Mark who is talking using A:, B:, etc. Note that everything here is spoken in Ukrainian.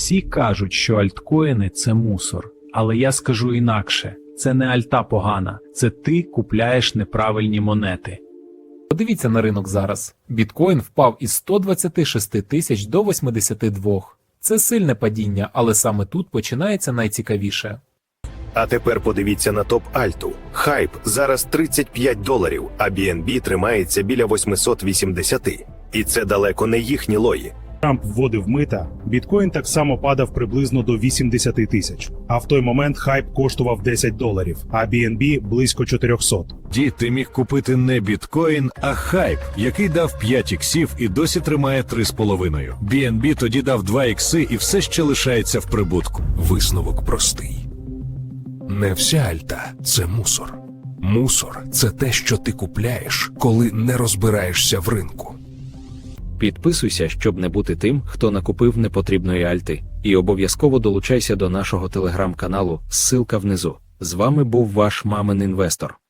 A: Всі кажуть, що альткоїни – це мусор. Але я скажу інакше. Це не альта погана. Це ти купляєш неправильні монети.
B: Подивіться на ринок зараз. Біткоін впав із 126 тисяч до 82. Це сильне падіння, але саме тут починається найцікавіше.
C: А тепер подивіться на топ-альту. Хайп зараз $35, а BNB тримається біля 880. І це далеко не їхні лої.
D: Трамп вводив мита, біткоін так само падав приблизно до 80 тисяч. А в той момент хайп коштував $10, а BNB близько 400.
E: Дід, ти міг купити не біткоін, а хайп, який дав 5 іксів і досі тримає 3,5. BNB тоді дав 2 ікси і все ще лишається в прибутку.
F: Висновок простий. Не вся альта – це мусор. Мусор – це те, що ти купляєш, коли не розбираєшся в ринку.
G: Підписуйся, щоб не бути тим, хто накупив непотрібної альти. І обов'язково долучайся до нашого телеграм-каналу, ссылка внизу. З вами був ваш мамин інвестор.